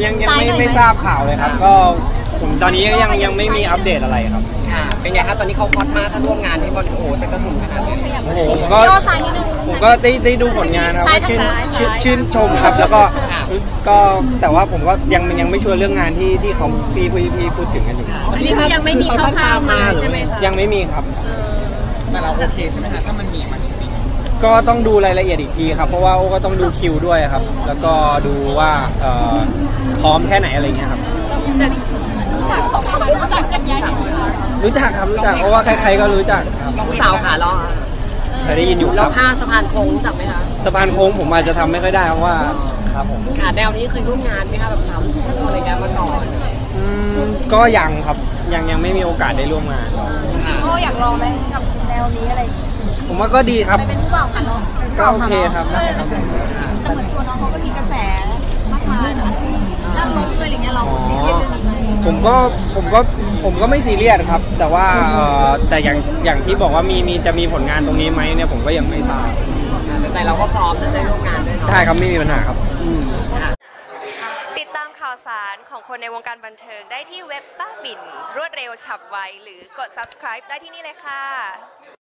ยังไม่ทราบข่าวเลยครับก็ผมตอนนี้ยังไม่มีอัปเดตอะไรครับค่ะเป็นไงครับตอนนี้เขาฮอตมากถ้าร่วมงานที่บอลโอ้จะกระหึ่มขนาดนี้โอ้โหผมก็ได้ดูผลงานครับก็ชื่นชมครับแล้วก็แต่ว่าผมก็ยังไม่ชัวร์เรื่องงานที่เขาพี่พูดถึงกันอยู่อันนี้ยังไม่มีคร่าวๆมาใช่ไหมคะยังไม่มีครับแต่เราโอเคใช่ไหมคะถ้ามันมีก็ต้องดูรายละเอียดอีกทีครับเพราะว่าโอ้ก็ต้องดูคิวด้วยครับแล้วก็ดูว่าพร้อมแค่ไหนอะไรเงี้ยครับรู้จักกันยังรู้จักครับรู้จักเพราะว่าใครๆก็รู้จักครับผู้สาวขาล้อเคยได้ยินอยู่ครับแล้วข้าสะพานโค้งรู้จักไหมคะสะพานโค้งผมอาจจะทำไม่ค่อยได้เพราะว่าครับผมค่ะแนวนี้เคยร่วมงานไหมคะแบบทำอะไรกันมาก่อนก็ยังครับยังไม่มีโอกาสได้ร่วมงานก็อยากลองไหมกับแนวนี้อะไรผมว่าก็ดีครับเป็นผู้บ่าวกันเนาะก็โอเคครับแต่เหมือนตัวน้องเขาก็มีกระแสมากมายนะที่นั่งรถเลยอะไรเงี้ยเราซีเรียสเรื่องนี้ไหมผมก็ไม่ซีเรียสครับแต่ว่าแต่อย่างที่บอกว่าจะมีผลงานตรงนี้ไหมเนี่ยผมก็ยังไม่ทราบแต่เราก็พร้อมจะได้ร่วมงานด้วยได้ครับไม่มีปัญหาครับติดตามข่าวสารของคนในวงการบันเทิงได้ที่เว็บบ้าบิ่นรวดเร็วฉับไวหรือกด subscribe ได้ที่นี่เลยค่ะ